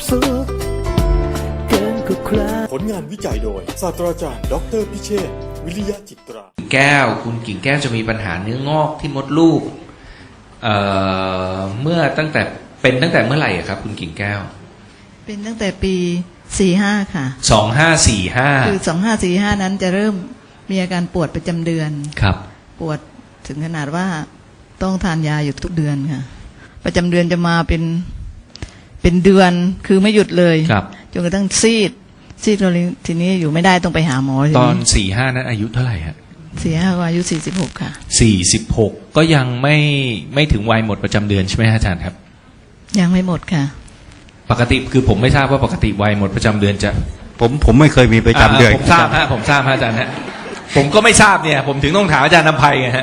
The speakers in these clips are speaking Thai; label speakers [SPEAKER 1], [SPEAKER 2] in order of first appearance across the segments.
[SPEAKER 1] สุขเกินกว่าใคร
[SPEAKER 2] ผลงานวิจัยโดยศาสตราจารย์ดอกเตอรพิเชษฐ์วิริยะจิตรา
[SPEAKER 3] แก้วคุณกิ่งแก้วจะมีปัญหาเนื้องอกที่มดลูกเมื่อตั้งแต่เมื่อไหร่ครับคุณกิ่งแก้ว
[SPEAKER 4] เป็นตั้งแต่ปี45ค่ะ
[SPEAKER 3] 2545
[SPEAKER 4] คือ2545นั้นจะเริ่มมีอาการปวดประจำเดือน
[SPEAKER 3] ครับ
[SPEAKER 4] ปวดถึงขนาดว่าต้องทานยาอยู่ทุกเดือนค่ะประจำเดือนจะมาเป็นเดือนคือไม่หยุดเลยจนกระทั่งซีดทีนี้อยู่ไม่ได้ต้องไปหาหมอ
[SPEAKER 3] ตอน45นั้นอายุเท่าไหร่ฮะ
[SPEAKER 4] 45ก็อายุ46ค่ะ
[SPEAKER 3] 46ก็ยังไม่ถึงวัยหมดประจำเดือนใช่ไหมอาจารย์ครับ
[SPEAKER 4] ยังไม่หมดค่ะ
[SPEAKER 3] ปกติคือผมไม่ทราบว่าปกติวัยหมดประจำเดือนจะ
[SPEAKER 5] ผมไม่เคยมีประจำเดือน
[SPEAKER 3] ผมทราบอาจารย์ฮะผมก็ไม่ทราบเนี่ยผมถึงต้องถามอาจารย์นำไพไงฮะ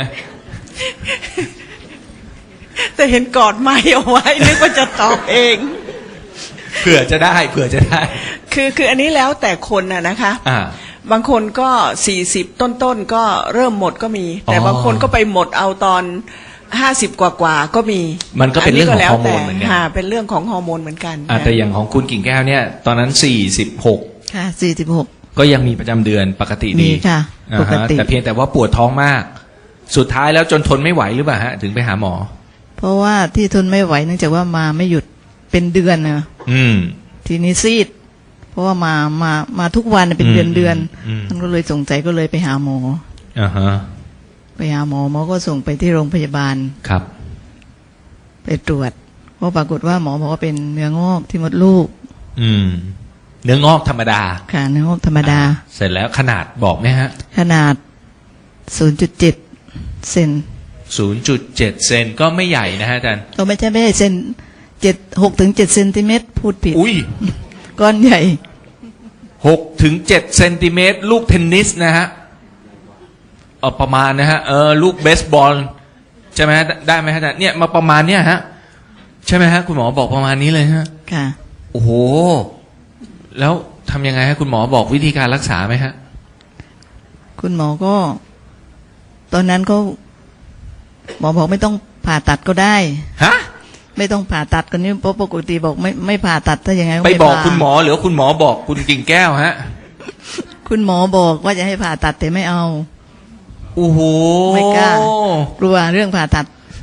[SPEAKER 4] แต่เห็นกอดไม้เอาไว้นึกว่าจะตอบเอง
[SPEAKER 3] เผื่อจะได้
[SPEAKER 6] คืออันนี้แล้วแต่คนนะคะบางคนก็40ต้นก็เริ่มหมดก็มีแต่บางคนก็ไปหมดเอาตอน50กว่าก็มี
[SPEAKER 3] มันก็เป็นเรื่องของฮอร์โมนเหมือนกัน
[SPEAKER 6] เป็นเรื่องของฮอร์โมนเหมือนกัน
[SPEAKER 3] แต่อย่างของคุณกิ่งแก้วเนี่ยตอนนั้น46
[SPEAKER 4] ค่ะ46
[SPEAKER 3] ก็ยังมีประจำเดือนปกติดี
[SPEAKER 4] ค่ะปกติ
[SPEAKER 3] แต่เพียงแต่ว่าปวดท้องมากสุดท้ายแล้วจนทนไม่ไหวหรือเปล่าฮะถึงไปหาหมอ
[SPEAKER 4] เพราะว่าที่ทนไม่ไหวเนื่องจากว่ามาไม่หยุดเป็นเดือนนะทีนี้ซีดเพราะว่ามาทุกวันเป็นเดือนมันก็เลยสงสัยก็เลยไปหาหมอไปหาหมอก็ส่งไปที่โรงพยาบาล
[SPEAKER 3] ครับ
[SPEAKER 4] ไปตรวจก็ปรากฏว่าหมอบอกว่าเป็นเนื้องอกที่มดลูก
[SPEAKER 3] เนื้องอกธรรมดา
[SPEAKER 4] ค่ะเนื้องอกธรรมดา
[SPEAKER 3] เสร็จแล้วขนาดบอกไหมฮะ
[SPEAKER 4] ขนาด 0.7 เซน
[SPEAKER 3] 0.7 เซนก็ไม่ใหญ่นะฮะอาจารย์
[SPEAKER 4] ก็ไม่ใช่เซน6 ถึง 7 เซนติเมตรพูดผิด
[SPEAKER 3] อุ้ย
[SPEAKER 4] ก้อนใหญ่
[SPEAKER 3] 6 ถึง 7 เซนติเมตรลูกเทนนิสนะฮะประมาณนะฮะลูกเบสบอลใช่ไหมฮะได้ไหมฮะอาจารย์เนี่ยมาประมาณเนี้ยฮะใช่ไหมฮะคุณหมอบอกประมาณนี้เลยฮะ
[SPEAKER 4] ค่ะ
[SPEAKER 3] โอ้โหแล้วทำยังไงฮะคุณหมอบอกวิธีการรักษาไหมฮะ
[SPEAKER 4] คุณหมอก็ตอนนั้นก็หมอบอกไม่ต้องผ่าตัดก็ได้
[SPEAKER 3] ฮะ
[SPEAKER 4] ไม่ต้องผ่าตัดกันนี่เพราะปกติบอกไม่ผ่าตัดถ้าอย่างไง
[SPEAKER 3] ไปบอกคุณหมอหรือคุณหมอบอกคุณกิ่งแก้วฮะ
[SPEAKER 4] คุณหมอบอกว่าจะให้ผ่าตัดแต่ไม่เอา
[SPEAKER 3] โอ้โห
[SPEAKER 4] ไม่กล้ากลัวเรื่องผ่าตัด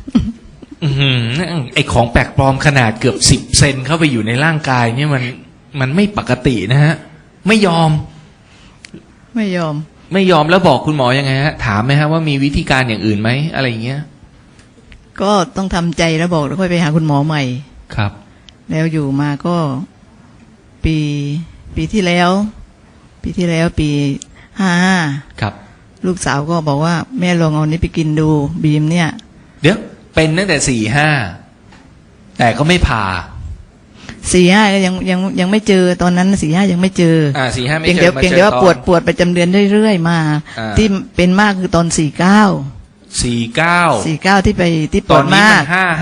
[SPEAKER 3] ไอของแปลกปลอมขนาดเกือบ10 เซนเข้าไปอยู่ในร่างกายเนี่ยมันไม่ปกตินะฮะไม่ยอมแล้วบอกคุณหมอยังไงฮะถามไหมฮะว่ามีวิธีการอย่างอื่นไหมอะไรอย่างเงี้ย
[SPEAKER 4] ก็ต้องทำใจแล้วบอกแล้วค่อยไปหาคุณหมอใหม่
[SPEAKER 3] ครับ
[SPEAKER 4] แล้วอยู่มาก็ปีที่แล้วปี55
[SPEAKER 3] ครับ
[SPEAKER 4] ลูกสาวก็บอกว่าแม่ลองเอานี้ไปกินดูบีมเนี่ย
[SPEAKER 3] เดี๋ยวเป็นตั้งแต่45แต่ก็ไม่ผ่า
[SPEAKER 4] 45ก็ยังไม่เจอตอนนั้น45ยังไม่เจอ
[SPEAKER 3] 45ไม่เจอ
[SPEAKER 4] เพียงแต่ว่าปวดประจำเดือนเรื่อยๆมาที่เป็นมากคือตอน49ที่ไปที่ปวดมาก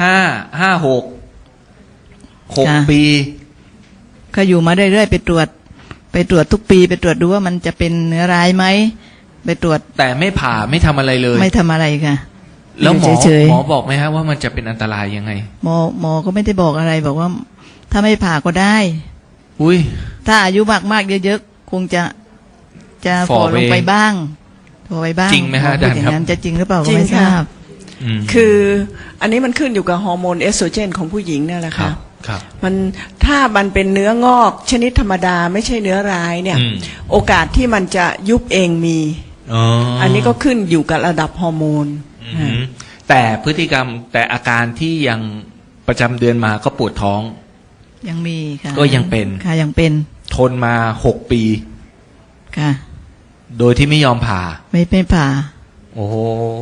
[SPEAKER 3] 6 ปี
[SPEAKER 4] ก็อยู่มาเรื่อยๆไปตรวจทุกปีไปตรวจดูว่ามันจะเป็นเนื้อร้ายไหมไปตรวจ
[SPEAKER 3] แต่ไม่ผ่าไม่ทำอะไรเลย
[SPEAKER 4] ไม่ทำอะไรค่ะ
[SPEAKER 3] แล้วหมอบอกไหมฮะว่ามันจะเป็นอันตรายยังไง
[SPEAKER 4] หมอก็ไม่ได้บอกอะไรบอกว่าถ้าไม่ผ่าก็ได้
[SPEAKER 3] อุ้ย
[SPEAKER 4] ถ้าอายุมากๆเยอะๆคงจะฝ่อลงไปบ้าง
[SPEAKER 3] จริงไหมฮะอาจารย์ครับ
[SPEAKER 4] จะจริงหรือเปล่าก็ไม่ทราบ
[SPEAKER 6] คืออันนี้มันขึ้นอยู่กับฮอร์โมนเอสโตรเจนของผู้หญิงนั่นแหละค่ะมันถ้ามันเป็นเนื้องอกชนิดธรรมดาไม่ใช่เนื้อร้ายเนี่ยโอกาสที่มันจะยุบเองมีอันนี้ก็ขึ้นอยู่กับระดับฮอร์โมน
[SPEAKER 3] แต่พฤติกรรมแต่อาการที่ยังประจำเดือนมาก็ปวดท้อง
[SPEAKER 4] ยังมีค่ะ
[SPEAKER 3] ก็ยังเป็น
[SPEAKER 4] ค่ะยังเป็น
[SPEAKER 3] ทนมา6 ปี
[SPEAKER 4] ค่ะ
[SPEAKER 3] โดยที่ไม่ยอมผ่า
[SPEAKER 4] ไม่ผ่า
[SPEAKER 3] โอ้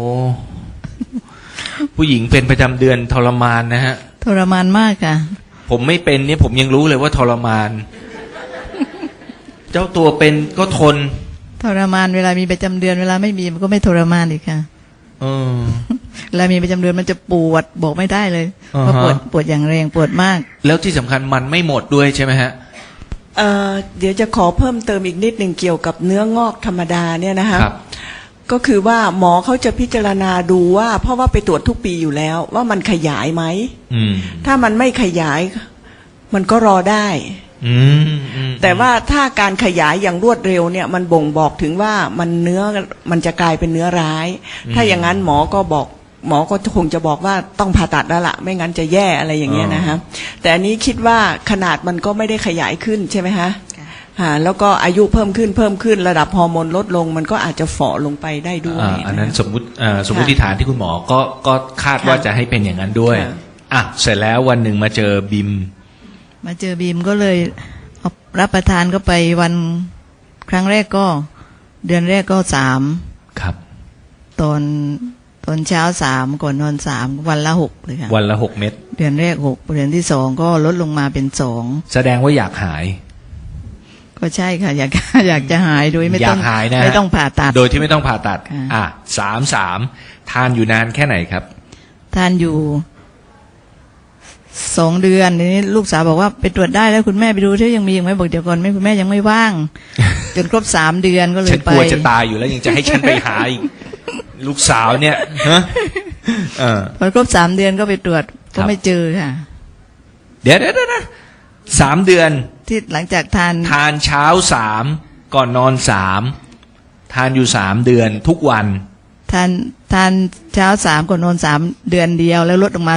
[SPEAKER 3] ผู้หญิงเป็นประจำเดือนทรมานนะฮะ
[SPEAKER 4] ทรมานมากค่ะ
[SPEAKER 3] ผมไม่เป็นเนี่ยผมยังรู้เลยว่าทรมานเจ้าตัวเป็นก็ทน
[SPEAKER 4] ทรมานเวลามีประจำเดือนเวลาไม่มีมันก็ไม่ทรมานอีกค่ะเวลามีประจำเดือนมันจะปวดบอกไม่ได้เลยเพราะปวดอย่างแรงปวดมาก
[SPEAKER 3] แล้วที่สำคัญมันไม่หมดด้วยใช่ไหมฮะ
[SPEAKER 6] เดี๋ยวจะขอเพิ่มเติมอีกนิดหนึ่งเกี่ยวกับเนื้องอกธรรมดาเนี่ยนะคะก็คือว่าหมอเขาจะพิจารณาดูว่าเพราะว่าไปตรวจทุกปีอยู่แล้วว่ามันขยายไหมถ้ามันไม่ขยายมันก็รอได้แต่ว่าถ้าการขยายอย่างรวดเร็วเนี่ยมันบ่งบอกถึงว่ามันจะกลายเป็นเนื้อร้าย ถ้าอย่างนั้นหมอก็คงจะบอกว่าต้องผ่าตัดแล้วล่ะไม่งั้นจะแย่อะไรอย่างเงี้ยนะฮะแต่อันนี้คิดว่าขนาดมันก็ไม่ได้ขยายขึ้นใช่ไหมฮะแล้วก็อายุเพิ่มขึ้นระดับฮอร์โมนลดลงมันก็อาจจะฝ่อลงไปได้ด้วย
[SPEAKER 3] อันนั้นสมมติฐานที่คุณหมอก็คาดว่าจะให้เป็นอย่างนั้นด้วยเสร็จแล้ววันหนึ่งมาเจอบิม
[SPEAKER 4] ก็เลยเอารับประทานก็ไปวันครั้งแรกก็เดือนแรกก็3
[SPEAKER 3] ครับ
[SPEAKER 4] ตอนเช้า3ก่อนนอน3วันละ6เลยค่ะ
[SPEAKER 3] วันละ6 เม็ด
[SPEAKER 4] เดือนแรก6เดือนที่2ก็ลดลงมาเป็น2
[SPEAKER 3] แสดงว่าอยากหาย
[SPEAKER 4] ก็ใช่ค่ะอยากจะหายโดยไม่ต้อง
[SPEAKER 3] ไม่
[SPEAKER 4] ต้องผ่าตัด
[SPEAKER 3] โดยที่ไม่ต้องผ่าตัด3ทานอยู่นานแค่ไหนครับ
[SPEAKER 4] ทานอยู่2 เดือนนี้ลูกสาวบอกว่าไปตรวจได้แล้วคุณแม่ไปดูที่ยังมีอีกไหมบอกเดี๋ยวก่อนคุณแม่ยังไม่ว่างจนครบ3 เดือนก็เลยไปฉัน
[SPEAKER 3] กลัวจะตายอยู่แล้วยังจะให้ฉันไปหาอีกลูกสาวเนี่ย
[SPEAKER 4] พอครบ3 เดือนก็ไปตรวจก็ไม่เจอค่ะ
[SPEAKER 3] เดี๋ยวนะ3 เดือน
[SPEAKER 4] ที่หลังจากทาน
[SPEAKER 3] เช้า3ก่อนนอน3ทานอยู่3 เดือนทุกวัน
[SPEAKER 4] ทานเช้า3ก่อนนอน3 เดือนเดียวแล้วลดลงมา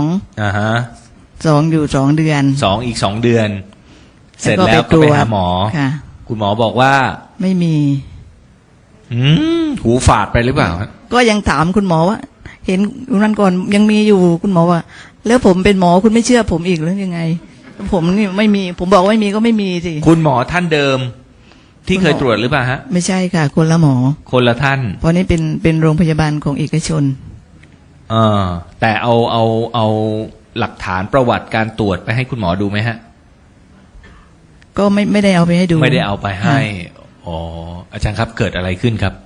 [SPEAKER 4] 2อยู่2 เดือน
[SPEAKER 3] อีก2 เดือนเสร็จแล้วก็ไปหาหมอคุณหมอบอกว่า
[SPEAKER 4] ไม่มี
[SPEAKER 3] หูฝาดไปหรือเปล่า
[SPEAKER 4] ก็ยังถามคุณหมอว่าเห็นนั้นก่อนยังมีอยู่คุณหมอว่าแล้วผมเป็นหมอคุณไม่เชื่อผมอีกหรือยังไงผมนี่ไม่มีผมบอกว่าไม่มีก็ไม่มีสิ
[SPEAKER 3] คุณหมอท่านเดิมที่เคยตรวจหรือเปล่าฮะ
[SPEAKER 4] ไม่ใช่ค่ะคนละหมอ
[SPEAKER 3] คนละท่าน
[SPEAKER 4] เพราะนี่เป็นโรงพยาบาลของเอกชน
[SPEAKER 3] แต่เอาหลักฐานประวัติการตรวจไปให้คุณหมอดูไหมฮะ
[SPEAKER 4] ก็ไม่ได้เอาไปให้ดู
[SPEAKER 3] ไม่ได้เอาไปให้อาจารย์ครับเกิดอะไรขึ้นครับ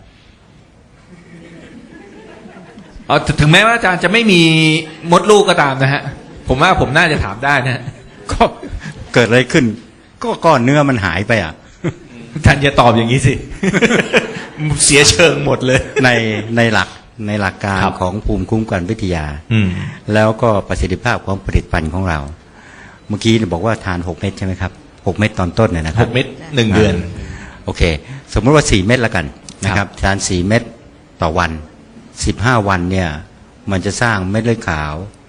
[SPEAKER 3] ถึงแม้ว่าอาจารย์จะไม่มีมดลูกก็ตามนะฮะผมว่าผมน่าจะถามได้นะ
[SPEAKER 5] ก็เกิดอะไรขึ้นก็ก้อนเนื้อมันหายไป
[SPEAKER 3] ท่านจะตอบอย่างนี้สิ เสียเชิงหมดเลย
[SPEAKER 5] ในหลักการของภูมิคุ้มกันวิทยาแล้วก็ประสิทธิภาพของผลิตภัณฑ์ของเราเมื่อกี้บอกว่าทาน6 เม็ดใช่ไหมครับ6 เม็ดตอนต้นเนี่ยนะครับ
[SPEAKER 3] 6 เม็ด1 เดือน
[SPEAKER 5] โอเคสมมติว่า4 เม็ดละกันนะครับทาน4 เม็ดต่อวัน15 วันเนี่ยมันจะสร้างเม็ดเลือดขาว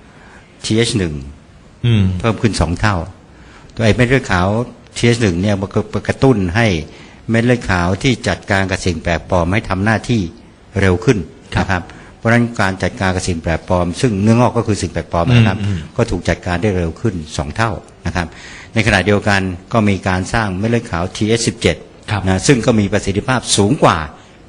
[SPEAKER 5] TH1 เพิ่มขึ้น2 เท่าตัวไอ้เม็ดเลือดขาว TH1 เนี่ยมันก็กระตุ้นให้เม็ดเลือดขาวที่จัดการกับสิ่งแปลกปลอมให้ทำหน้าที่เร็วขึ้นนะครับเพราะฉะนั้นการจัดการกับสิ่งแปลกปลอมซึ่งเนื้องอกก็คือสิ่งแปลกปลอมนะครับก็ถูกจัดการได้เร็วขึ้น2 เท่านะครับในขณะเดียวกันก็มีการสร้างเม็ดเลือดขาว TH17 นะซึ่งก็มีประสิทธิภาพสูงกว่า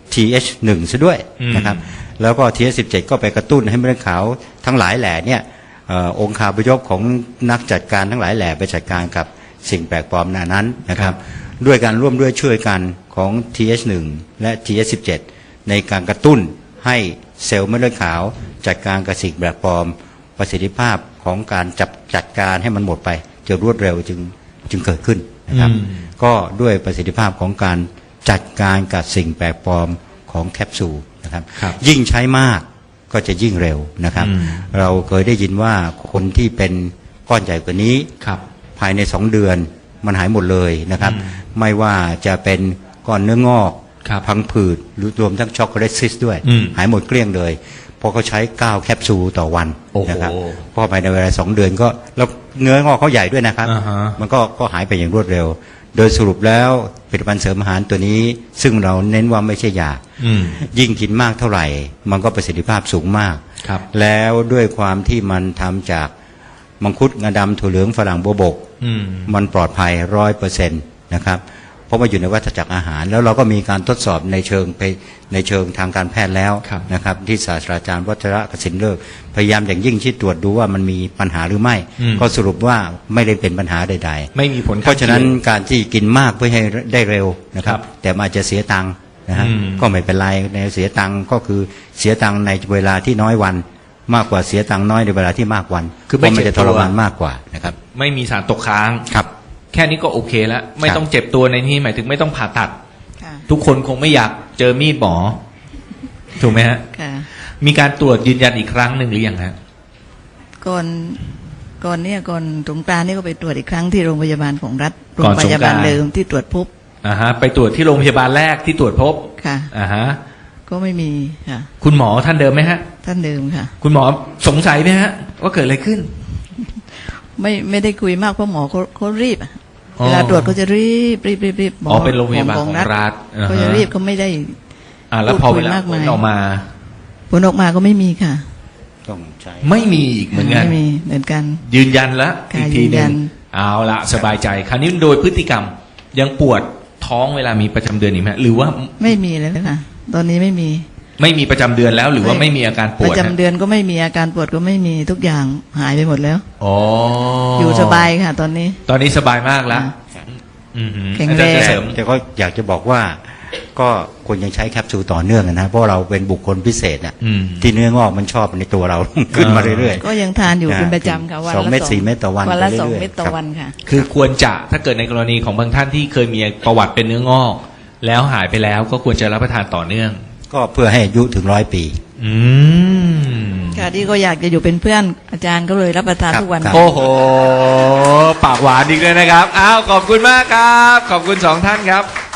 [SPEAKER 5] TH1 ซะด้วยนะครับแล้วก็ TH17 ก็ไปกระตุ้นให้เม็ดเลือดขาวทั้งหลายแหล่เนี่ยองค์คาพยพของนักจัดการทั้งหลายแหล่ไปจัดการกับสิ่งแปลกปลอมนั้นนะครับด้วยการร่วมด้วยช่วยกันของ TH1 และ TH17 ในการกระตุ้นให้เซลล์เม็ดเลือดขาวจัดการกับสิ่งแปลกปลอมประสิทธิภาพของการจัดการให้มันหมดไปจะรวดเร็วจึงเกิดขึ้นนะครับก็ด้วยประสิทธิภาพของการจัดการกับสิ่งแปลกปลอมของแคปซูลนะครับยิ่งใช้มากก็จะยิ่งเร็วนะครับเราเคยได้ยินว่าคนที่เป็นก้อนใหญ่กว่านี้ภายใน2 เดือนมันหายหมดเลยนะครับไม่ว่าจะเป็นก้อนเนื้องอกพังผืดหรือรวมทั้งช็อกโกแลตซิสด้วยหายหมดเกลี้ยงเลยเพราะเขาใช้9 แคปซูลต่อวันนะครับเพราะภายในเวลา2 เดือนก็แล้วเนื้องอกเขาใหญ่ด้วยนะครับมันก็หายไปอย่างรวดเร็วโดยสรุปแล้วผลิตภัณฑ์เสริมอาหารตัวนี้ซึ่งเราเน้นว่าไม่ใช่ยายิ่งกินมากเท่าไหร่มันก็ประสิทธิภาพสูงมากแล้วด้วยความที่มันทำจากมังคุดงาดำถั่วเหลืองฝรั่งบัวบกมันปลอดภัย 100% นะครับเพราะว่าอยู่ในวัฏจักรอาหารแล้วเราก็มีการทดสอบในเชิงทางการแพทย์แล้วนะครับที่ศาสตราจารย์วัชระกสินเลิกพยายามอย่างยิ่งที่ตรวจดูว่ามันมีปัญหาหรือไม่ก็สรุปว่าไม่ได้เป็นปัญหาใดๆ
[SPEAKER 3] ไม่มีผล
[SPEAKER 5] เพราะฉะนั้นการที่กินมากเพื่อให้ได้เร็วนะครับแต่อาจจะเสียตังค์นะฮะก็ไม่เป็นไรในเสียตังค์ก็คือเสียตังค์ในเวลาที่น้อยวันมากกว่าเสียตังค์น้อยในเวลาที่มากวันคือไม่จะทรมานมากกว่านะครับ
[SPEAKER 3] ไม่มีสารตกค้าง
[SPEAKER 5] ครับ
[SPEAKER 3] แค่นี้ก็โอเคแล้วไม่ต้องเจ็บตัวในนี้หมายถึงไม่ต้องผ่าตัดทุกคนคงไม่อยากเจอมีดหมอถูกไหมฮะมีการตรวจยืนยันอีกครั้งหนึ่งหรือยังฮะ
[SPEAKER 4] ก่อนก่อนสงกรานต์นี่ก็ไปตรวจอีกครั้งที่โรงพยาบาลของรัฐโร
[SPEAKER 3] ก่อง น
[SPEAKER 4] พ
[SPEAKER 3] สงกรานต์
[SPEAKER 4] ยาบาลเดิมที่ตรวจพบ
[SPEAKER 3] ไปตรวจที่โรงพยาบาลแรกที่ตรวจพบ
[SPEAKER 4] ค่ะ ก็ไม่มีค่ะ
[SPEAKER 3] คุณหมอท่านเดิมไหมฮะ
[SPEAKER 4] ท่านเดิมค่ะ
[SPEAKER 3] คุณหมอสงสัยไหมฮะ ว่าเกิดอะไรขึ้น
[SPEAKER 4] ไม่ได้คุยมากเพราะหมอเขารีบอะ
[SPEAKER 3] อ๋อ
[SPEAKER 4] เวลาตรวจเขาจะรีบหม
[SPEAKER 3] อ๋อเป็นโรงพยาบาลของรัฐ
[SPEAKER 4] เขาจะรีบเขาไม่ได้
[SPEAKER 3] แล้วพอ
[SPEAKER 4] พู
[SPEAKER 3] เว
[SPEAKER 4] ดคุย
[SPEAKER 3] ลาม
[SPEAKER 4] าก
[SPEAKER 3] ผ
[SPEAKER 4] มาย
[SPEAKER 3] ลออกมา
[SPEAKER 4] ผลออกมาก็ไม่มีค่ะ
[SPEAKER 5] ต้องใช้
[SPEAKER 3] ไม่มีอีกเหมือนกัน
[SPEAKER 4] ไม่มีเหมือนกัน
[SPEAKER 3] ยืนยันแล้ว
[SPEAKER 4] ค่ะ
[SPEAKER 3] อีกทีห
[SPEAKER 4] ยืนยั
[SPEAKER 3] นึง
[SPEAKER 4] น
[SPEAKER 3] เอาละสบายใจ คราวนี้โดยพฤติกรรมยังปวดท้องเวลามีประจำเดือนอีกไหมหรือว่า
[SPEAKER 4] ไม่มีเลยค่ะ ตอนนี้ไม่มี
[SPEAKER 3] ไม่มีประจำเดือนแล้ว หรือว่าไม่มีอาการป
[SPEAKER 4] ป
[SPEAKER 3] วด
[SPEAKER 4] ระจำเดือนก็ไม่มีอาการปวดก็ไม่มีทุกอย่างหายไปหมดแล้ว
[SPEAKER 3] อ๋อ
[SPEAKER 4] อ
[SPEAKER 3] อยู่
[SPEAKER 4] สบายค่ะ ตอนนี้
[SPEAKER 3] ตอนนี้สบายมากแล้ว
[SPEAKER 4] แข็งแรง
[SPEAKER 3] อาจารย์จะเสริม
[SPEAKER 5] แต่ก็อยากจะบอกว่าก็ควรยังใช้แคปซูลต่อเนื่องนะเพราะเราเป็นบุคคลพิเศษน่ะ
[SPEAKER 3] อืม
[SPEAKER 5] ที่เนื้องอกมันชอบในตัวเรา ขึ้นมาเรื่อย
[SPEAKER 4] ก็ยังทานอยู่เป็นประจำค่ะวัน
[SPEAKER 5] สอง
[SPEAKER 4] ละ
[SPEAKER 5] เม็ด4เม็ดต่อวัน
[SPEAKER 4] วันละ
[SPEAKER 5] ไปเรื่อยๆ
[SPEAKER 4] 2 เม็ดต่อ
[SPEAKER 5] ครับ
[SPEAKER 4] วันค่ะ
[SPEAKER 3] คือควรจะถ้าเกิดในกรณีของบางท่านที่เคยมีประวัติเป็นเนื้องอก แล้วหายไปแล้วก็ควรจะรับประทานต่อเนื่อง
[SPEAKER 5] ๆก็เพื่อให้อายุถึง100 ปี
[SPEAKER 3] อืม
[SPEAKER 4] ค่ะที่ก็อยากจะอยู่เป็นเพื่อนอาจารย์ก็เลยรับประทานทุกวัน
[SPEAKER 5] ครับ
[SPEAKER 3] โอ้โห ปากหวานอีกเลยนะครับ อ้าว ขอบคุณมากครับ ขอบคุณสองท่านครับ